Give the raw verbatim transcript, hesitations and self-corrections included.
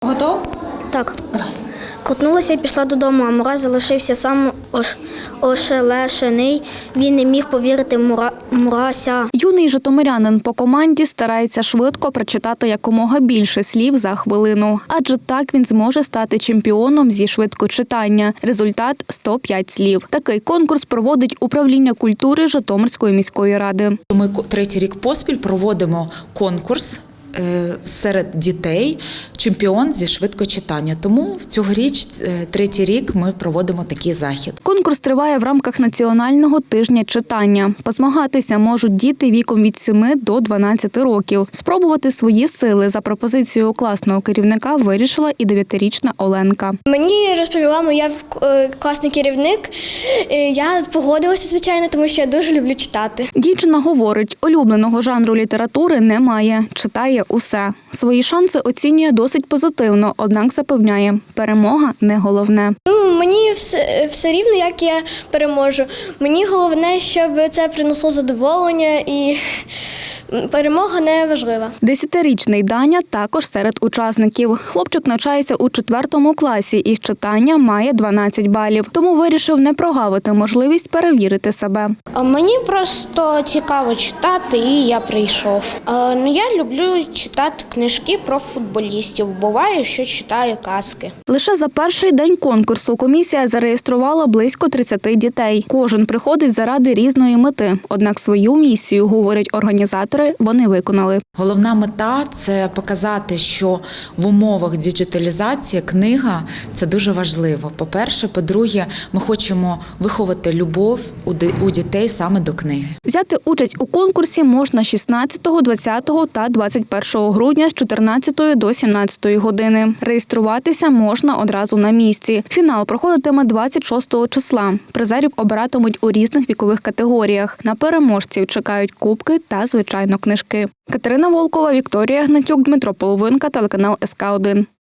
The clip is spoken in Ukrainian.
Готов? Так. Давай. Крутнулася і пішла додому, а Мурась залишився сам ош... ошелешений. Він не міг повірити Мура... Мурася. Юний житомирянин по команді старається швидко прочитати якомога більше слів за хвилину. Адже так він зможе стати чемпіоном зі швидкочитання. Результат – сто п'ять слів. Такий конкурс проводить управління культури Житомирської міської ради. Ми третій рік поспіль проводимо конкурс серед дітей чемпіон зі швидкочитання. Тому цьогоріч, третій рік, ми проводимо такий захід. Конкурс триває в рамках Національного тижня читання. Позмагатися можуть діти віком від семи до дванадцяти років. Спробувати свої сили за пропозицією класного керівника вирішила і дев'ятирічна Оленка. Мені розповіла моя класний керівник. Я погодилася, звичайно, тому що я дуже люблю читати. Дівчина говорить, улюбленого жанру літератури немає. Читає усе. Свої шанси оцінює досить позитивно, однак запевняє, перемога не головне. Ну, мені все, все рівно, як я переможу. Мені головне, щоб це принесло задоволення і перемога не важлива. Десятирічний Даня також серед учасників. Хлопчик навчається у четвертому класі і з читання має дванадцять балів. Тому вирішив не прогавити можливість перевірити себе. Мені просто цікаво читати, і я прийшов. Ну, я люблю читати книжки про футболістів. Буває, що читаю казки. Лише за перший день конкурсу комісія зареєструвала близько тридцяти дітей. Кожен приходить заради різної мети. Однак свою місію, говорять організатори, вони виконали. Головна мета – це показати, що в умовах діджиталізації книга – це дуже важливо. По-перше, по-друге, ми хочемо виховати любов у дітей саме до книги. Взяти участь у конкурсі можна шістнадцятого, двадцятого та двадцять першого грудня з чотирнадцятої до сімнадцятої години. Реєструватися можна одразу на місці. Фінал проходитиме двадцять шостого числа. Призерів обиратимуть у різних вікових категоріях. На переможців чекають кубки та, звичайно, книжки. Катерина Волкова, Вікторія Гнатюк, Дмитро Половинка, телеканал ес ка один.